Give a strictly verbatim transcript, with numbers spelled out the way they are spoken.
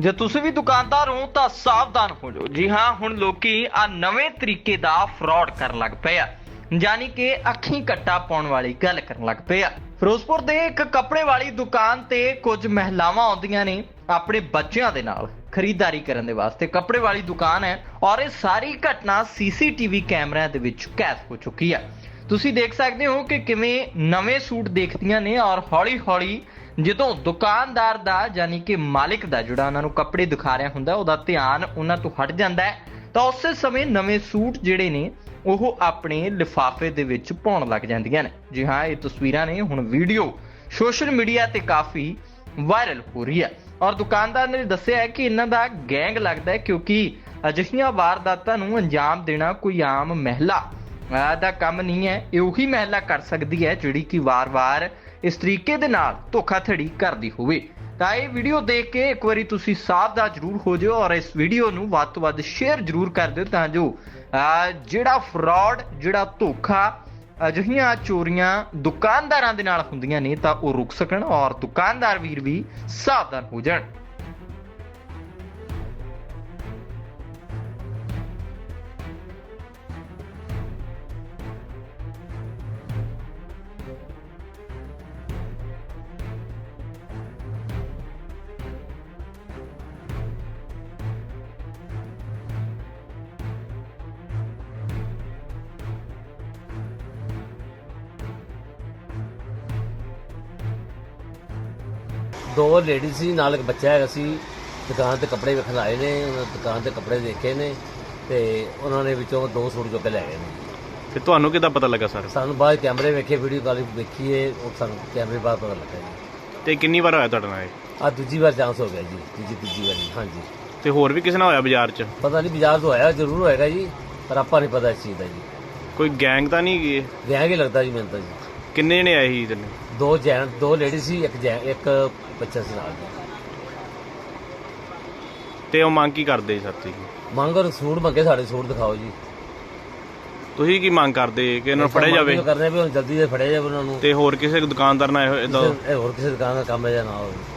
ਜੇ ਤੁਸੀਂ ਵੀ ਦੁਕਾਨਦਾਰ ਹੋ ਤਾਂ ਸਾਵਧਾਨ ਹੋ ਜਾਓ। ਜੀ ਹਾਂ, ਹੁਣ ਲੋਕੀ ਆ ਨਵੇਂ ਤਰੀਕੇ ਦਾ ਫਰਾਡ ਕਰਨ ਲੱਗ ਪਏ ਆ, ਯਾਨੀ ਕਿ ਅੱਖੀਂ ਕੱਟਾ ਪਾਉਣ ਵਾਲੀ ਗੱਲ ਕਰਨ ਲੱਗ ਪਏ ਆ। ਫਿਰੋਜ਼ਪੁਰ ਦੇ ਇੱਕ ਕੱਪੜੇ ਵਾਲੀ ਦੁਕਾਨ ਤੇ ਕੁਝ ਮਹਿਲਾਵਾਂ ਆਉਂਦੀਆਂ ਨੇ ਆਪਣੇ ਬੱਚਿਆਂ ਦੇ ਨਾਲ ਖਰੀਦਦਾਰੀ ਕਰਨ ਦੇ ਵਾਸਤੇ। ਕੱਪੜੇ ਵਾਲੀ ਦੁਕਾਨ ਹੈ ਔਰ ਇਹ ਸਾਰੀ ਘਟਨਾ ਸੀਸੀਟੀਵੀ ਕੈਮਰਿਆਂ ਦੇ ਵਿੱਚ ਕੈਦ ਹੋ ਚੁੱਕੀ ਹੈ। ਤੁਸੀਂ ਦੇਖ ਸਕਦੇ ਹੋ ਕਿ ਕਿਵੇਂ ਨਵੇਂ ਸੂਟ ਦੇਖਦੀਆਂ ਨੇ ਔਰ ਹੌਲੀ ਹੌਲੀ ਜਦੋਂ ਦੁਕਾਨਦਾਰ ਦਾ ਯਾਨੀ ਕਿ ਮਾਲਿਕ ਦਾ ਜਿਹੜਾ ਉਹਨਾਂ ਨੂੰ ਕੱਪੜੇ ਦਿਖਾ ਰਿਹਾ ਹੁੰਦਾ ਉਹਦਾ ਧਿਆਨ ਉਹਨਾਂ ਤੋਂ ਹਟ ਜਾਂਦਾ ਹੈ ਤਾਂ ਉਸੇ ਸਮੇਂ ਨਵੇਂ ਸੂਟ ਜਿਹੜੇ ਨੇ ਉਹ ਆਪਣੇ ਲਿਫਾਫੇ ਦੇ ਵਿੱਚ ਪਾਉਣ ਲੱਗ ਜਾਂਦੀਆਂ ਨੇ। ਜੀ ਹਾਂ, ਇਹ ਤਸਵੀਰਾਂ ਨੇ ਹੁਣ ਵੀਡੀਓ ਸੋਸ਼ਲ ਮੀਡੀਆ ਤੇ ਕਾਫੀ ਵਾਇਰਲ ਹੋ ਰਹੀ ਹੈ ਔਰ ਦੁਕਾਨਦਾਰ ਨੇ ਦੱਸਿਆ ਹੈ ਕਿ ਇਹਨਾਂ ਦਾ ਗੈਂਗ ਲੱਗਦਾ ਹੈ, ਕਿਉਂਕਿ ਅਜਿਹੀਆਂ ਵਾਰਦਾਤਾਂ ਨੂੰ ਅੰਜਾਮ ਦੇਣਾ ਕੋਈ ਆਮ ਮਹਿਲਾ ਦਾ ਕੰਮ ਨਹੀਂ ਹੈ। ਇਹ ਉਹੀ ਮਹਿਲਾ ਕਰ ਸਕਦੀ ਹੈ ਜਿਹੜੀ ਕਿ ਵਾਰ-ਵਾਰ ਇਸ ਤਰੀਕੇ ਦੇ ਨਾਲ ਧੋਖਾਧੜੀ ਕਰਦੀ ਹੋਵੇ। ਤਾਂ ਇਹ ਵੀਡੀਓ ਦੇਖ ਕੇ ਇੱਕ ਵਾਰੀ ਤੁਸੀਂ ਸਾਵਧਾਨ ਜ਼ਰੂਰ ਹੋ ਜਾਓ ਔਰ ਇਸ ਵੀਡੀਓ ਨੂੰ ਵੱਧ ਤੋਂ ਵੱਧ ਸ਼ੇਅਰ ਜ਼ਰੂਰ ਕਰ ਦਿਓ ਤਾਂ ਜੋ ਜਿਹੜਾ ਫਰਾਡ, ਜਿਹੜਾ ਧੋਖਾ, ਅਜਿਹੀਆਂ ਚੋਰੀਆਂ ਦੁਕਾਨਦਾਰਾਂ ਦੇ ਨਾਲ ਹੁੰਦੀਆਂ ਨੇ ਤਾਂ ਉਹ ਰੁਕ ਸਕਣ ਔਰ ਦੁਕਾਨਦਾਰ ਵੀਰ ਵੀ ਸਾਵਧਾਨ ਹੋ ਜਾਣ। ਦੋ ਲੇਡੀਜ਼ ਸੀ ਨਾਲ ਇੱਕ ਬੱਚਾ ਹੈਗਾ ਸੀ। ਦੁਕਾਨ ਤੇ ਕੱਪੜੇ ਵੇਖਣ ਆਏ ਨੇ, ਉਹਨਾਂ ਦੁਕਾਨ ਤੇ ਕੱਪੜੇ ਦੇਖੇ ਨੇ ਤੇ ਉਹਨਾਂ ਨੇ ਵਿੱਚੋਂ ਦੋ ਸੂਟ ਚੁੱਕ ਕੇ ਲੈ ਗਏ ਨੇ। ਤੇ ਤੁਹਾਨੂੰ ਕਿੱਦਾਂ ਪਤਾ ਲੱਗਾ ਸਰ? ਸਾਨੂੰ ਬਾਅਦ ਕੈਮਰੇ ਵੇਖੇ, ਵੀਡੀਓ ਕਾਲ ਵੇਖੀਏ, ਉਹ ਸਾਨੂੰ ਕੈਮਰੇ ਬਾਅਦ ਪਤਾ ਲੱਗਾ ਜੀ। ਤੇ ਕਿੰਨੀ ਵਾਰ ਹੋਇਆ ਤੁਹਾਡੇ ਨਾਲ ਇਹ? ਆ ਦੂਜੀ ਵਾਰ ਚਾਂਸ ਹੋ ਗਿਆ ਜੀ, ਤੀਜੀ ਤੀਜੀ ਵਾਰੀ। ਹਾਂਜੀ, ਤੇ ਹੋਰ ਵੀ ਕਿਸੇ ਨਾਲ ਹੋਇਆ ਬਾਜ਼ਾਰ 'ਚ? ਪਤਾ ਨਹੀਂ, ਬਾਜ਼ਾਰ ਤੋਂ ਹੋਇਆ ਜ਼ਰੂਰ ਹੋਏਗਾ ਜੀ, ਪਰ ਆਪਾਂ ਨਹੀਂ ਪਤਾ ਇਸ ਚੀਜ਼ ਦਾ ਜੀ। ਕੋਈ ਗੈਂਗ ਤਾਂ ਨਹੀਂ ਗਏ? ਵਿਆਹ ਕੇ ਲੱਗਦਾ ਜੀ ਮੈਨੂੰ ਤਾਂ ਜੀ। ਕਿੰਨੇ ਜਣੇ ਆਏ ਸੀ ਤੈਨੂੰ? ਦੋ ਜੈਨ ਦੋ ਲੇਡੀਜ਼ ਸੀ, ਇੱਕ ਜੈਨ ਇੱਕ ਬੱਚਾ ਸੀ ਨਾਲ ਜੀ। ਤੇ ਉਹ ਮੰਗ ਕੀ ਕਰਦੇ ਸਰ ਤੁਸੀਂ? ਮੰਗ ਔਰ ਸੂਟ ਮੰਗੇ, ਸਾਡੇ ਸੂਟ ਦਿਖਾਓ ਜੀ। ਤੁਸੀਂ ਕੀ ਮੰਗ ਕਰਦੇ ਕਿ ਇਹਨਾਂ ਨੂੰ ਫੜਿਆ ਜਾਵੇ? ਕਰਨੇ ਵੀ ਹੁਣ ਜਲਦੀ ਦੇ ਫੜਿਆ ਜਾਵੇ ਉਹਨਾਂ ਨੂੰ, ਤੇ ਹੋਰ ਕਿਸੇ ਦੁਕਾਨਦਾਰ ਨਾਲ ਇਹੋ ਏਦਾਂ ਹੋਰ ਕਿਸੇ ਦੁਕਾਨ ਦਾ ਕੰਮ ਹੈ ਜਾਂ ਨਾ ਹੋਵੇ।